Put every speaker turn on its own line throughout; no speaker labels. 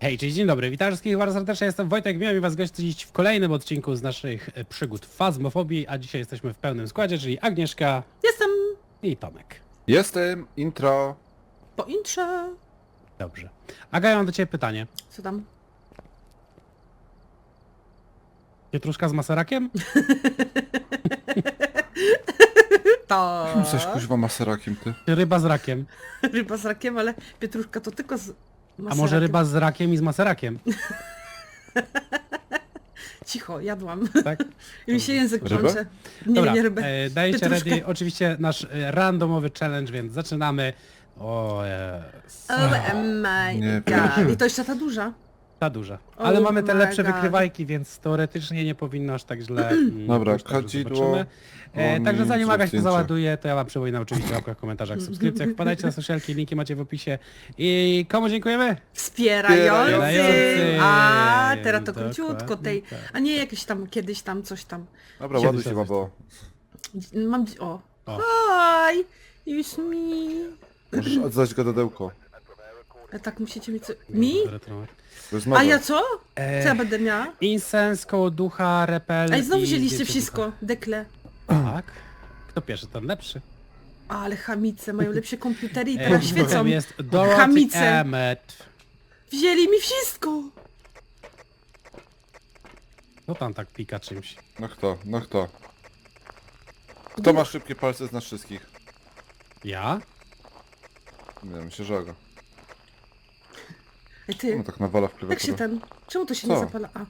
Hej, cześć, dzień dobry, witam wszystkich bardzo serdecznie, jestem Wojtek, miałem was gościć w kolejnym odcinku z naszych przygód Fazmofobii, a dzisiaj jesteśmy w pełnym składzie, czyli Agnieszka
Jestem
i Tomek.
Jestem, intro.
po intrze.
Dobrze. Aga, ja mam do ciebie pytanie.
Co tam?
Pietruszka z maserakiem?
To
Coś kuźwa maserakiem, ty.
Czy ryba z rakiem?
ryba z rakiem, ale pietruszka to tylko z
A
maserakiem.
może ryba z rakiem i z maserakiem?
Cicho, jadłam.
Tak?
I mi się język
Rybę?
plącze. Nie,
Dobra,
nie rybę.
dajcie
Pietruszkę.
ready, oczywiście nasz randomowy challenge, więc zaczynamy. O jest.
Oh my
Nie
god. I to jeszcze ta duża.
Ta duża.
Oh
Ale mamy te
my
lepsze
God.
wykrywajki, więc teoretycznie nie powinno aż tak źle.
Dobra,
pójść, także
kadzidło.
zobaczymy. Także zanim Aga się to
zdjęcia.
załaduje, to ja wam przypominam oczywiście o łapkach, komentarzach, subskrypcjach. Wpadajcie na socialki, linki macie w opisie. I komu dziękujemy?
Wspierający.
Wspierający.
A teraz to
Dokładnie
króciutko tej.
tak.
A nie jakieś tam kiedyś tam coś tam.
Dobra,
Kiedy
ładuj
to
się,
coś
babo.
Mam. O.
O.
Hi! It's me.
Możesz oddać gadadełko.
A tak musicie mi co. Mi?
To jest
A
nowe.
ja co? Co ja będę miała?
Incens, koło ducha, repel.
Ej, znowu
i
wzięliście
zdjęcie
wszystko. Dekle.
ducha. Tak? Kto pierwszy, ten lepszy.
Ale chamice, mają lepsze komputery i teraz świecą.
Potem jest Dorothy
Chamice.
Emmet.
Wzięli mi wszystko.
No tam tak pika czymś.
No kto, no kto? Kto ma szybkie palce z nas wszystkich?
Ja?
Nie wiem, się żaga.
Ej ty,
No tak nawala w
jak się
klawiaturę.
ten... Czemu to się
Co?
nie zapala? A.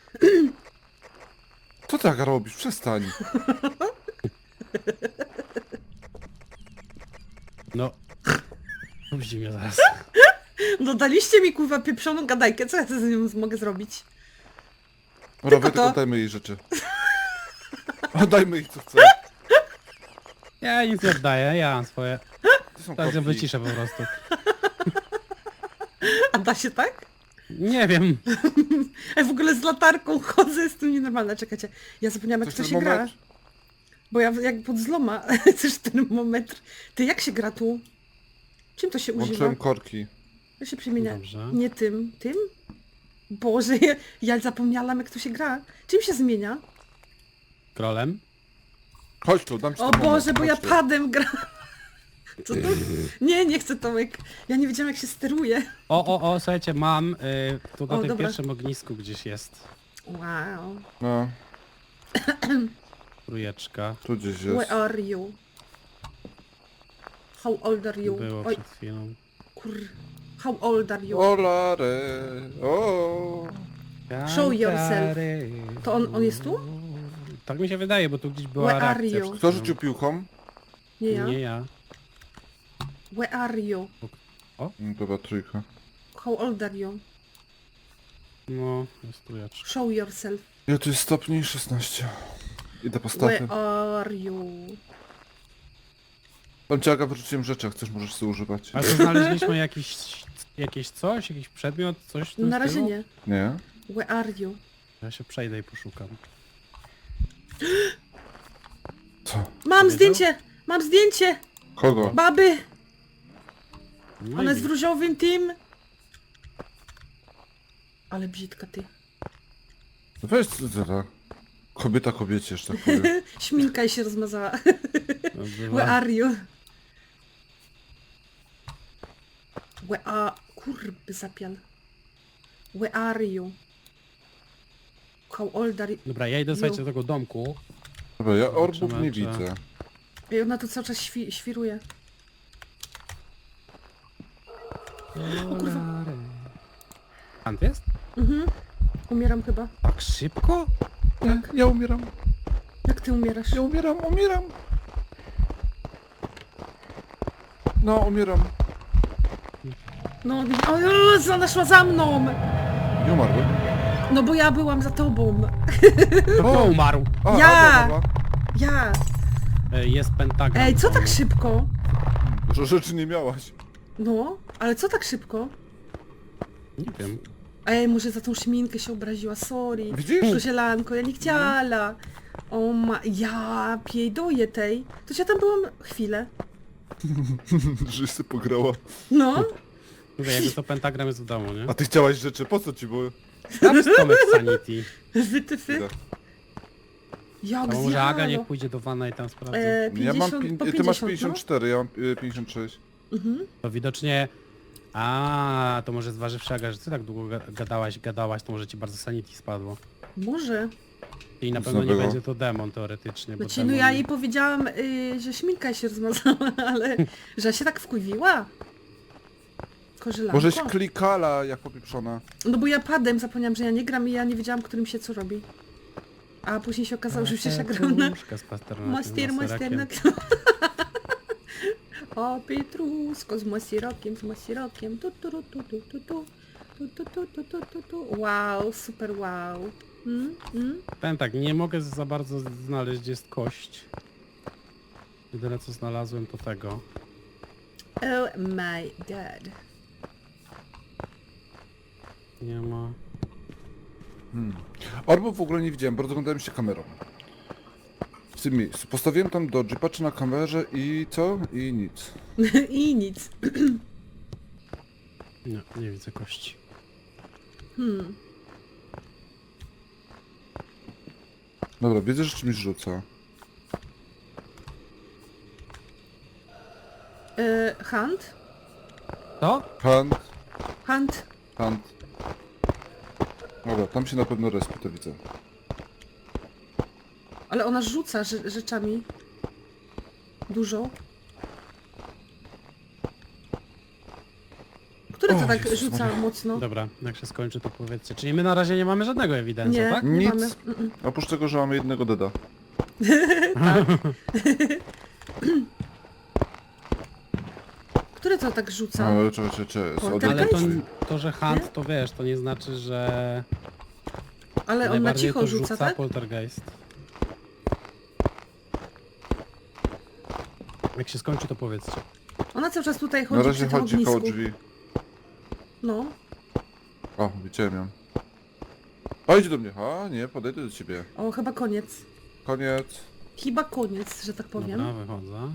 Co ty, Aga, robisz? Przestań.
No. Obudzi mnie zaraz.
No daliście mi kurwa pieprzoną gadajkę, co ja z nią mogę zrobić?
Dobra,
to.
Wojtek, oddajmy jej rzeczy. Oddajmy jej co chce.
Ja nic nie oddaję, ja mam swoje.
To są
Tak, że
kotki.
wyciszę po prostu.
A da się tak?
Nie wiem.
Ej, w ogóle z latarką chodzę, jest to nienormalne. Czekajcie, ja zapomniałam jak
Chcesz
to się gra.
termometr?
Bo ja jak pod zloma, też termometr. Ty, jak się gra tu? Czym to się używa?
Włączyłem korki.
Ja się przemienia.
Dobrze.
Nie tym. Tym? Boże, ja zapomniałam jak tu się gra. Czym się zmienia?
Królem.
Chodź tu, dam ci
O
termometr,
Boże, bo ja
chodź tu.
padem gram. Co to? Nie, nie chcę Tomek. Ja nie wiedziałam jak się steruje.
O, słuchajcie, mam tu na
O,
tym
dobra.
pierwszym ognisku gdzieś jest
Wow.
No,
trójeczka.
tu gdzieś
Where
jest.
are you? How old are you?
Było
Oj,
przed chwilą.
kur... How old are you?
Olare, o.
Show yourself. To on jest tu?
Tak mi się wydaje, bo tu gdzieś była
Where are
reakcja.
you?
przed
Kto
chwilą.
rzucił piłką?
Nie ja?
Nie ja.
Where are you?
Dobra, trójka.
How old are you?
No, jest trójeczka.
Show yourself.
Ja tu jest stopni 16. Idę po staty.
Where are you?
Tam cię, Aga, wyrzuciłem rzeczy, jak chcesz, możesz sobie używać.
A to znaleźliśmy jakieś coś, jakiś przedmiot, coś w tym
Na razie
stylu?
nie.
Nie?
Where are you?
Ja się przejdę i poszukam.
Co?
Mam
Wiedział?
zdjęcie! Mam zdjęcie!
Kogo?
Baby!
No
Ona
i
jest w różowym tym. Ale brzydka ty.
No weź, co teraz? Kobieta kobiecie, że tak powiem.
Śminka jej się rozmazała.
no
Where
bywa.
are you? Where are... Kurby zapial. Where are you? How old are you?
Dobra, ja idę słuchajcie do tego domku.
Dobra, ja orbów
Zobaczymy,
nie
czy-
widzę.
Ej, ona tu cały czas świruje. O kurwa.
Ant jest?
Mhm. Umieram chyba.
Tak szybko?
Ja umieram,
Jak ty umierasz?
ja umieram. No, umieram.
No, o Jezu, ona szła za mną!
Nie umarłem.
No bo ja byłam za tobą.
Kto umarł?
A,
Ja!
Aga, dobra.
Ja!
Jest pentagram.
Ej, co tak szybko?
Dużo rzeczy nie miałaś.
No, ale co tak szybko?
Nie wiem.
Ej, może za tą szminkę się obraziła, sorry.
Widzisz?
To zielanko, ja nie chciała. O ma... Ja piedoję tej. To ja tam byłam chwilę.
Że się pograła.
No.
Mówię, jakby to pentagram jest w domu, nie?
A ty chciałaś rzeczy, po co ci były?
Sprawdź Tomek Sanity.
Wytyfy.
Idę.
Jak
Albo może Aga
zjadło.
niech pójdzie do wana i tam sprawdzi.
Ja mam
50, po
ty masz
50,
54, ja mam 56.
no?
To widocznie... To może zważywszy Aga, że ty tak długo gadałaś, to może ci bardzo Sanity spadło.
Może.
I na
Nic
pewno nie
nowego.
będzie to demon teoretycznie, bo
Znaczy, no
demon...
ja jej powiedziałam, że śminka się rozmazała, ale że się tak wkurwiła. Korzylanko.
Możeś klikala jak popieprzona.
No bo ja padem zapomniałam, że ja nie gram i ja nie wiedziałam, którym się co robi. A później się okazało, że przecież ja gram na
Petruszka z pasternakiem,
Master,
maserakiem.
O, Pietruszko z masirokiem, Tu, tu, tu, tu, tu, tu, tu. Tu, tu, tu, tu, tu, tu, tu. Wow, super wow.
Powiem tak, nie mogę za bardzo znaleźć, gdzie jest kość. Jedyne co znalazłem to tego.
Oh my god.
Nie ma...
Orbów w ogóle nie widziałem, bo rozglądałem się kamerą. W tym miejscu. Postawiłem tam dodge, patrzę na kamerze i co? I nic.
I nic.
Nie widzę kości.
Dobra, widzę, że czymś rzuca.
Hunt?
To?
Hand,
Hunt?
hand. Dobra, tam się na pewno respi, to widzę.
Ale ona rzuca rzeczami. Dużo. Który to
O,
tak
Jezus
rzuca
Maria.
mocno?
Dobra, jak się skończy to powiedzcie. Czyli my na razie nie mamy żadnego ewidencji,
Nie,
tak?
nie
Nic.
mamy.
Oprócz tego, że mamy jednego deda.
Który to tak rzuca?
Ale czekaj, jest
O,
od
ten
Ale
jednej
to, że hunt, to wiesz, to nie znaczy, że
Ale on na
najbardziej
cicho
to
rzuca, tak?
poltergeist. Jak się skończy to powiedzcie.
Ona cały czas tutaj
Na
chodzi
razie
przy tym
chodzi koło
ognisku.
drzwi.
No.
O, widziałem ją. O, idź do mnie. A, nie, podejdę do ciebie.
O, chyba koniec.
Koniec.
Chyba koniec, że tak powiem.
Dobra, wychodzę.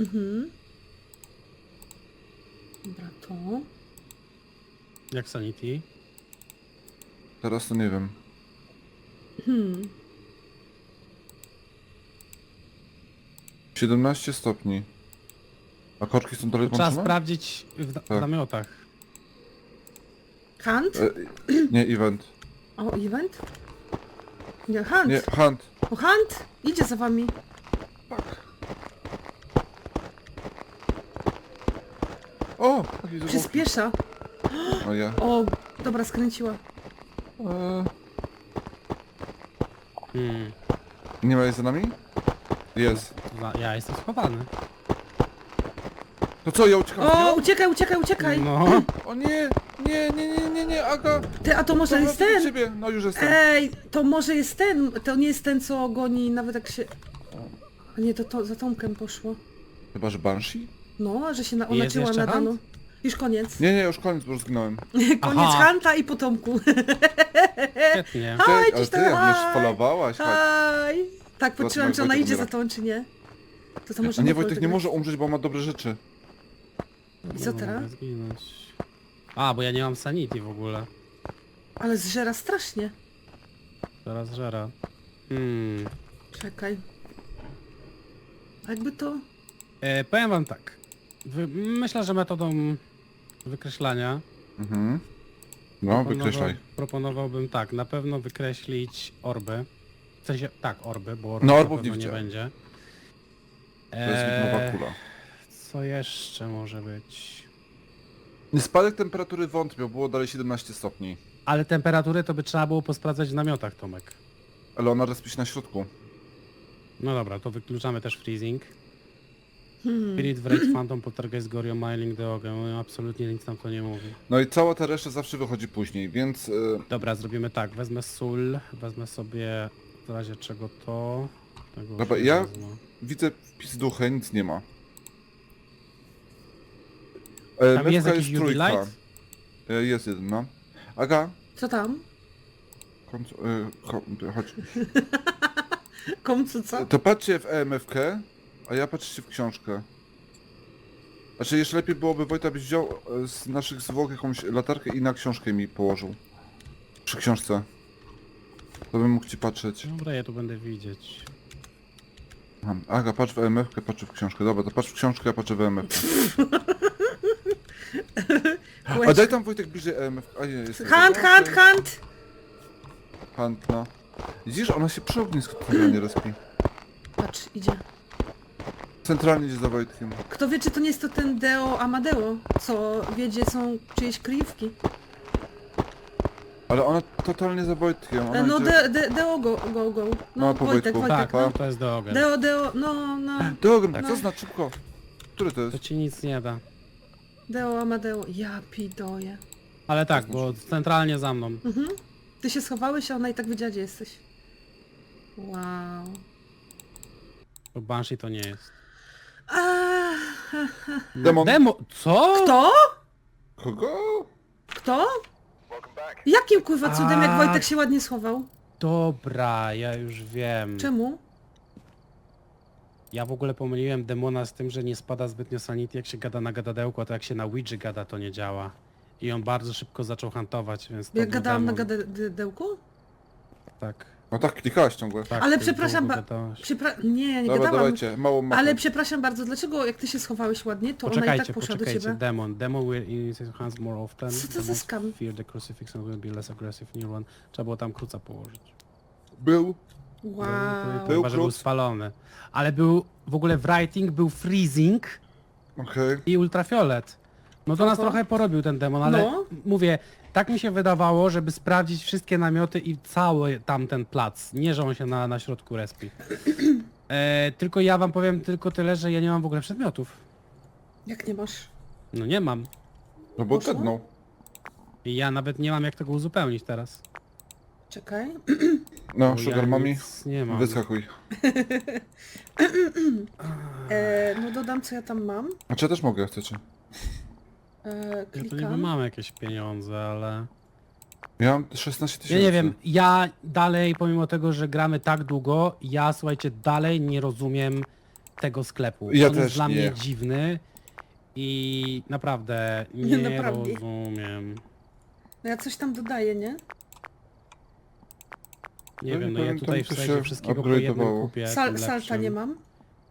Dobra, to.
Jak sanity?
Teraz to nie wiem. 17 stopni. A korki są dalej
Trzeba
włączone?
sprawdzić w
Tak.
namiotach.
Hunt?
Nie, event.
O, event? Nie, Hunt.
Nie, hunt.
O, Hunt! Idzie za wami.
O, taki zwłoki.
Przyspiesza.
O ja.
O, dobra, skręciła.
Nie ma jej za nami? Jest.
Ja jestem schowany.
To co, ja uciekam z
O,
nią?
uciekaj, uciekaj, uciekaj!
No.
O nie, nie, Aga!
Ty, a to może jest
Powrotem do
ten?
ciebie. No już jestem.
Ej, to może jest ten. To nie jest ten, co goni, nawet jak się... A nie, to za Tomkiem poszło.
Chyba, że Banshee?
No, że się
Jest
nacięła
jeszcze
na dano.
Hunt?
Już koniec.
Nie, już koniec, bo już zginąłem.
Koniec
Aha.
Hunta i potomku.
Świetnie.
Ty,
Haj,
ale
dziś
ty
tam,
jak mnie
haj.
spolowałaś, chodź.
Aj. Tak, patrzyłam, czy ona
Wojtek
idzie
umiera.
za tą, czy nie. To może
A nie,
nie
Wojtek nie może umrzeć, bo ma dobre rzeczy.
I co
Nie
teraz?
mogę zginąć. A, bo ja nie mam sanity w ogóle.
Ale zżera strasznie.
Teraz żera.
Czekaj. A jakby to...
Powiem wam tak. Myślę, że metodą wykreślania
Mhm. No, wykreślaj.
proponowałbym tak, na pewno wykreślić orby. W sensie, tak, orby, bo orbów
No,
na
orbów
pewno
nie
nie
widziałem.
będzie.
To jest nowa kula.
Co jeszcze może być?
Spadek temperatury wątpię, było dalej 17 stopni.
Ale temperatury to by trzeba było posprawdzać w namiotach, Tomek.
Ale ona respi się na środku.
No dobra, to wykluczamy też freezing. Spirit, Wraith, Phantom, Poltergeist, Gorio, Myling, Deogen. Absolutnie nic nam to nie mówi.
No i cała ta reszta zawsze wychodzi później, więc...
Dobra, zrobimy tak. Wezmę sól, wezmę sobie w razie czego to... Tego
Dobra,
już nie
ja-
wezmę.
Widzę wpis duchy, nic nie ma.
Tam jest
Mewka
jakiś UV
trójka.
light?
Jest jeden, no. Aga,
Co tam?
chodź.
Komcu co?
To patrzcie w EMF-kę, a ja patrzcie w książkę. Znaczy jeszcze lepiej byłoby, Wojta, byś wziął z naszych zwłok jakąś latarkę i na książkę mi położył. Przy książce. To bym mógł ci patrzeć.
Dobra, ja tu będę widzieć.
Aha, Aga, patrz w EMF-kę, patrz w książkę. Dobra, to patrz w książkę, ja patrzę w EMF. A daj tam, Wojtek, bliżej EMF. A nie, jest.
Hand!
Hand, no. Widzisz, ona się przy ognisku centralnie respi.
Patrz, idzie.
Centralnie idzie za Wojtkiem.
Kto wie, czy to nie jest to ten Deo Amadeo, co wie, gdzie są czyjeś kryjówki.
Ale ona totalnie za Wojtkiem. Ona
No
idzie...
Deo go.
No,
No,
po
Wojtek,
Wojtku.
Wojtek,
Tak,
no.
to jest do ogen.
Deo, no.
Dobra, co znacz szybko? Który to
To
jest?
ci nic nie da.
Deo Amadeo. Ja pidoję.
Ale tak, bo centralnie za mną.
Mhm. Ty się schowałeś, a ona i tak wiedziała, gdzie jesteś. Wow.
Bo Banshee to nie jest.
Demon.
Demo... Co?
Kto?
Kogo?
Kto? Jakim kurwa cudem, jak
A.
Wojtek się ładnie schował?
Dobra, ja już wiem.
Czemu?
Ja w ogóle pomyliłem demona z tym, że nie spada zbytnio sanity jak się gada na gadadełku, a to jak się na Ouija gada to nie działa. I on bardzo szybko zaczął hantować, więc to
Jak
był
gadałam na
demon.
gadadełku?
Tak,
No tak, klikałaś ciągle.
tak.
Ale
ty
przepraszam,
długo gadałaś.
Nie, ja nie
Dobra,
gadałam.
dawajcie, małą mapę.
Ale przepraszam bardzo, dlaczego jak ty się schowałeś ładnie, to ona i
Poczekajcie,
tak poszła do
poczekajcie,
ciebie?
demon. Demon will use his hands more often.
Co to za
Demons
skam?
fear the crucifix and will be less aggressive. New one. Trzeba było tam kruca położyć.
Był.
Wow.
Chyba, że był
kruc.
spalony. Ale był, w ogóle w writing był freezing
Okej.
i ultrafiolet. No to nas
Oho.
trochę porobił ten demon, ale
No.
mówię, tak mi się wydawało, żeby sprawdzić wszystkie namioty i cały tamten plac. Nie, że on się na środku respi. Tylko ja wam powiem tylko tyle, że ja nie mam w ogóle przedmiotów.
Jak nie masz?
No nie mam.
No bo
Poszło?
tednął.
I ja nawet nie mam jak tego uzupełnić teraz.
Czekaj.
No,
Bo
sugar
ja
mami,
nic nie mam.
wyskakuj.
No dodam, co ja tam mam.
Znaczy ja też mogę, jak chcecie.
Ja to niby
Klikam.
mam jakieś pieniądze, ale...
Ja mam 16
Ja
tysięcy.
nie wiem, ja dalej, pomimo tego, że gramy tak długo, ja słuchajcie, dalej nie rozumiem tego sklepu.
Ja
On
też
jest dla
nie.
mnie dziwny i naprawdę nie
Naprawdę.
rozumiem.
No ja coś tam dodaję, nie?
Nie
No
wiem,
nie
no ja
pamiętam,
tutaj
to
słuchajcie
się
wszystkiego po jednym
upgrade'owało.
kupię. tym
Salta
lepszym.
nie mam.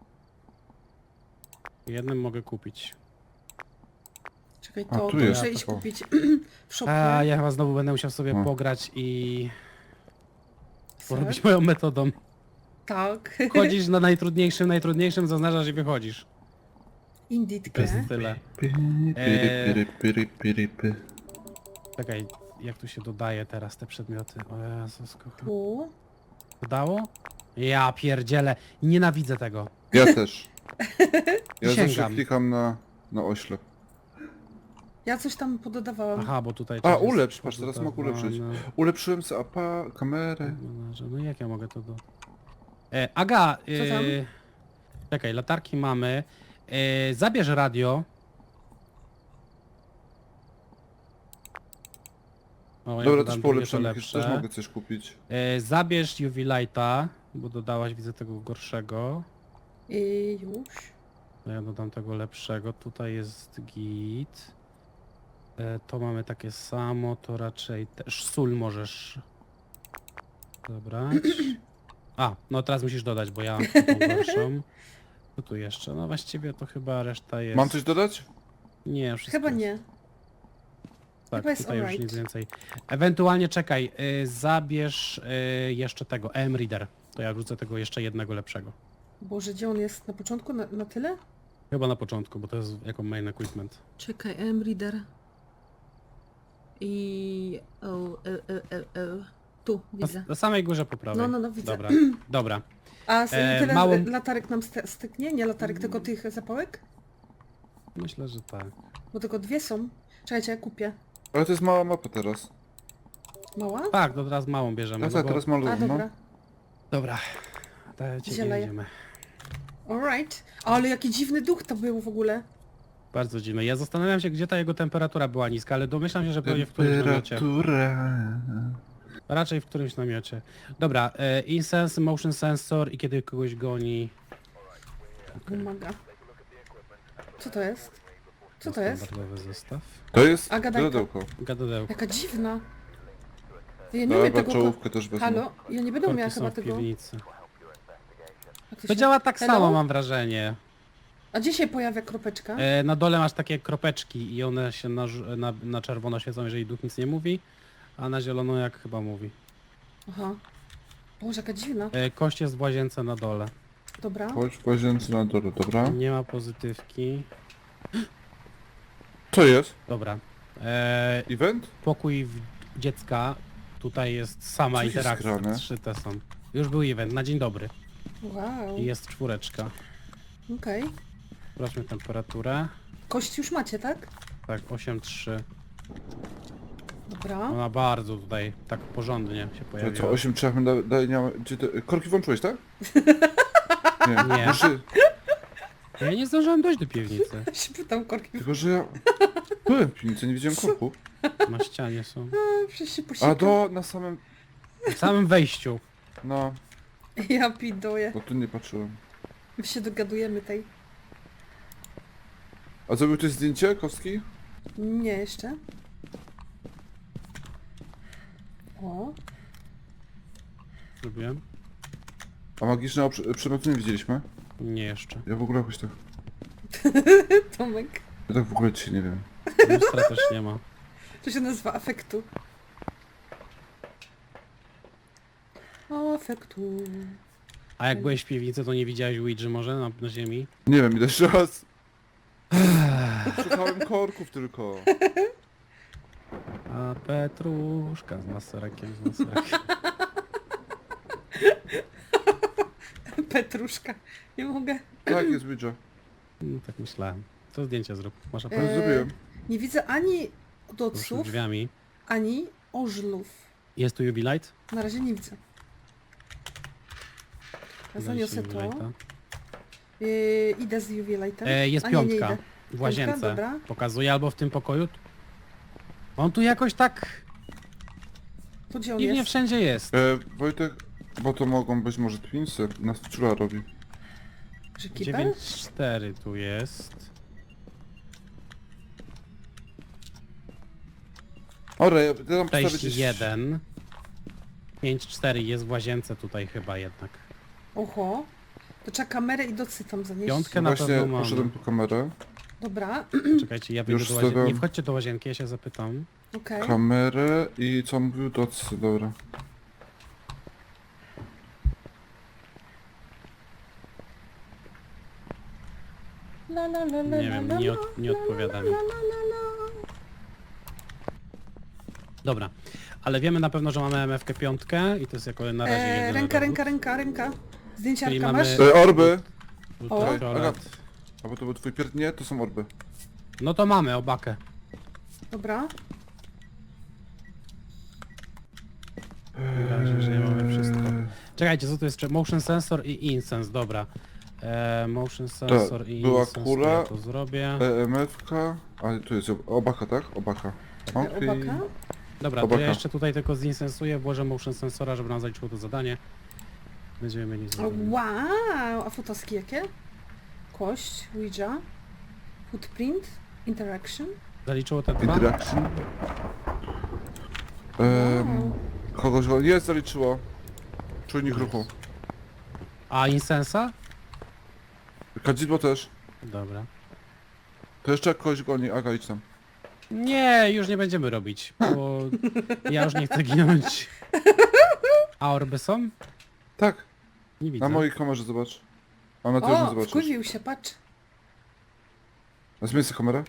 Jednym mogę kupić.
Czekaj,
A,
to
tu jest.
muszę iść
O.
kupić w shopie.
A ja chyba znowu będę musiał sobie
O.
pograć i
Ser.
porobić moją metodą.
Tak.
Chodzisz na najtrudniejszym, zaznaczasz i wychodzisz. To
Inditkę.
jest tyle.
Pyry, pyry, pyry, pyry, pyry.
Czekaj, jak tu się dodaje teraz te przedmioty? O Jezus, kocham.
Tu.
Dodało? Ja pierdzielę, nienawidzę tego.
Ja też. Ja zawsze
Sięgam.
klikam na oślep.
Ja coś tam pododawałam.
Aha, bo tutaj...
A,
coś jest
ulepsz, patrz, teraz mogę ulepszyć.
pododawane.
Ulepszyłem sobie kamerę.
No jak ja mogę to do... Aga,
Co tam?
czekaj, latarki mamy. Zabierz radio. O, ja
Dobra,
dodam
też
drugie,
poulepszam,
to
jakieś
lepsze.
też mogę coś kupić.
Zabierz UV lighta, bo dodałaś, widzę, tego gorszego.
I już.
No ja dodam tego lepszego. Tutaj jest git. To mamy takie samo, to raczej też sól możesz dobrać. A, no teraz musisz dodać, bo ja mam tą gorszą. Co tu jeszcze? No właściwie to chyba reszta jest...
Mam coś dodać?
Nie, wszystko
Chyba
jest.
nie.
Tak,
Chyba jest
tutaj już
alright.
nic więcej. Ewentualnie czekaj, zabierz jeszcze tego, EM-Reader. To ja wrzucę tego jeszcze jednego lepszego.
Boże, gdzie on jest? Na początku? Na tyle?
Chyba na początku, bo to jest jako main equipment.
Czekaj, M-Reader. I... Tu, widzę.
Na samej górze po prawej.
No, widzę.
Dobra, dobra.
A tyle
małą-
latarek nam styknie? Nie latarek, tylko tych zapałek?
Myślę, że tak.
Bo tylko dwie są. Czekajcie, ja kupię.
Ale to jest mała mapa teraz.
Mała?
Tak, to teraz małą bierzemy.
Ja
no
tak,
bo...
teraz
A,
malutką, no.
dobra.
Dobra. Dajcie,
Zielej.
jedziemy.
Alright. Ale jaki dziwny duch to był w ogóle.
Bardzo dziwne. Ja zastanawiam się, gdzie ta jego temperatura była niska, ale domyślam się, że pewnie w którymś namiocie.
Temperatura.
Raczej w którymś namiocie. Dobra, insense, motion sensor i kiedy kogoś goni...
Umaga. Co to jest? Co to jest?
Standardowy zestaw.
To jest
A, gadajka.
gadadełko.
Gadadełko.
Jaka dziwna. Ja nie umiem
Dobra,
tego...
czołówkę też wezmę.
Halo? Ja nie będę umiała
Korki są
chyba
w
tego...
piwnicy.
Jak
To
się-
działa tak
Hello?
samo, mam wrażenie.
A gdzie się pojawia kropeczka?
Na dole masz takie kropeczki i one się na czerwono świecą, jeżeli duch nic nie mówi, a na zielono jak chyba mówi.
Aha. Boże, jaka dziwna.
Kość jest w łazience na dole.
Dobra.
Chodź w łazience na dole, dobra.
Nie ma pozytywki.
Co jest?
Dobra.
Event?
Pokój dziecka. Tutaj jest sama
Co jest
interakcja.
grane?
3 te są. Już był event, na dzień dobry.
Wow.
I jest 4.
Okej.
Sprawdźmy temperaturę.
Kość już macie, tak?
Tak, 8,3.
Dobra.
Ona bardzo tutaj, tak porządnie się
Co,
pojawiła.
8 trzech nie ma... Gdzie te... Korki włączyłeś, tak? Nie.
Nie.
Znaczy,
Ja nie zdążyłem dojść do piwnicy.
się pytam korki.
tylko, że ja... Byłem w piwnicy, nie widziałem korku.
Na ścianie są.
Przecież się posikam.
Na samym...
W samym wejściu.
No,
Ja pidoję.
bo tu nie patrzyłem.
My się dogadujemy tej.
A zrobił ktoś zdjęcie, Kowski?
Nie jeszcze. O.
Zrobiłem?
A magicznego przemiotu nie widzieliśmy?
Nie jeszcze.
Ja w ogóle jakoś tak...
Tomek.
Ja tak w ogóle dzisiaj nie wiem.
Lustra też nie ma.
To się nazywa afektu. Afektu.
A jak byłeś w piwnicy, to nie widziałeś Ouija może na ziemi?
Nie wiem, ile jeszcze raz. Szukałem korków tylko.
A Petruszka z maserakiem, z maserakiem.
Petruszka. Nie mogę.
Tak, jest Ouija.
No, tak myślałem. Co zdjęcie zrób? Masz
No,
aparat?
zrobiłem.
Nie widzę ani
Ruszy
doców,
drzwiami.
ani ożlów.
Jest tu Jubilight?
Na razie nie widzę. Ja zaniosę to. Idę z Juwelajtem.
Jest
A nie, nie
piątka.
idę.
W łazience.
Dobra.
Pokazuje albo w tym pokoju. On tu jakoś tak
To gdzie on
dziwnie
jest?
wszędzie jest.
Wojtek, bo to mogą być może twinsy. Nas wczula robi.
Że kibel?
9,4 tu jest.
Ora, ja tam postawię gdzieś...
6,1. 5,4 jest w łazience tutaj chyba jednak.
Oho. To trzeba kamerę i docy tam zanieść.
Piątkę na
Właśnie
pewno mamy.
poszedłem po kamerę.
Dobra.
Czekajcie, ja wyjdę
Już
do łazienki.
stawiam.
Nie wchodźcie do łazienki, ja się zapytam.
Okej.
Kamerę i co mówił Docy, dobra.
La, la, la, la,
Nie wiem,
la,
nie,
la,
nie odpowiada mi.
la, la, la, la.
Dobra, ale wiemy na pewno, że mamy MFK 5 i to jest jako na razie jedyny
Ręka,
dowód.
ręka. Zdjęciarka
Czyli mamy-
masz?
Orby!
O.
Ultraviolet.
Agat. Albo to był twój pierd... Nie, to są orby.
No to mamy obakę.
Dobra.
Na razie, że nie mamy wszystko. Czekajcie, co tu jest? Motion sensor i incense, dobra. Motion sensor i
była
incense,
kula.
to ja to zrobię.
EMF-ka... A tu jest obaka, tak? Obaka. Okej.
Obaka.
Dobra, to
obaka.
ja jeszcze tutaj tylko zinsensuję, włożę motion sensora, żeby nam zaliczyło to zadanie. Będziemy mieli
O,
zadanie.
wow! A fotoski jakie? Kość, Ouija, footprint, interaction.
Zaliczyło te dwa?
Interaction.
Wow.
Kogoś go... Jest, zaliczyło. Czujnik ruchu.
A insensa?
Kadzidło też.
Dobra.
To jeszcze jak kogoś goni. Aga, idź tam.
Nie, już nie będziemy robić, bo ja już nie chcę ginąć. A orby są?
Tak,
Nie widzę.
na mojej kamerze zobacz. A na to już nie
O,
zobaczysz.
wkurwił się, patrz.
A zmień sobie kamerę.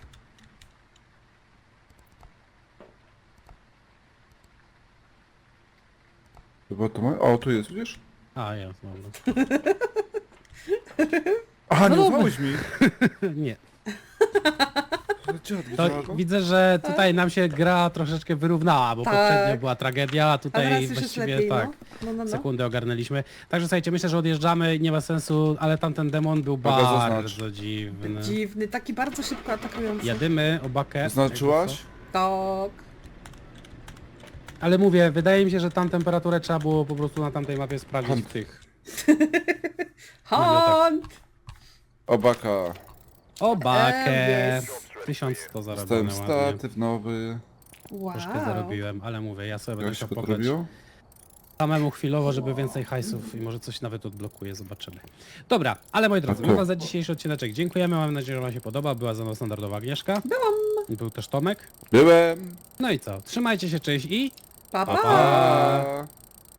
Chyba to moje... O, tu jest, widzisz?
A, jest, dobra.
Aha,
No
nie
dobra.
ufałeś mi!
Nie.
Dziad,
To
widziała go?
widzę, że tutaj nam się gra troszeczkę wyrównała, bo
Tak.
poprzednio była tragedia, a
A
tutaj
teraz już jest
właściwie
lepiej,
tak.
no.
Sekundę ogarnęliśmy. Także słuchajcie, myślę, że odjeżdżamy, nie ma sensu, ale tamten demon był
Mogę zaznacz.
bardzo dziwny.
Dziwny, taki bardzo szybko atakujący.
Jadymy, obakę.
Znaczyłaś?
Tak.
Ale mówię, wydaje mi się, że tam temperaturę trzeba było po prostu na tamtej mapie sprawdzić
Hunt.
w tych.
Hunt!
Obaka.
Obakę.
Yes.
1100
Dostałem
zarobione ładnie.
statyw nowy.
Wow.
Troszkę zarobiłem, ale mówię, ja sobie będę
Jak się
chciał pograć
podrobiło?
samemu chwilowo, żeby więcej hajsów i może coś nawet odblokuje, zobaczymy. Dobra, ale moi drodzy,
Okej.
my wam za dzisiejszy odcineczek dziękujemy, mam nadzieję, że wam się podoba. Była ze mną standardowa Agnieszka.
Byłam.
Był też Tomek.
Byłem!
No i co, trzymajcie się, cześć i...
Pa,
Pa,
pa.
pa.
Pa!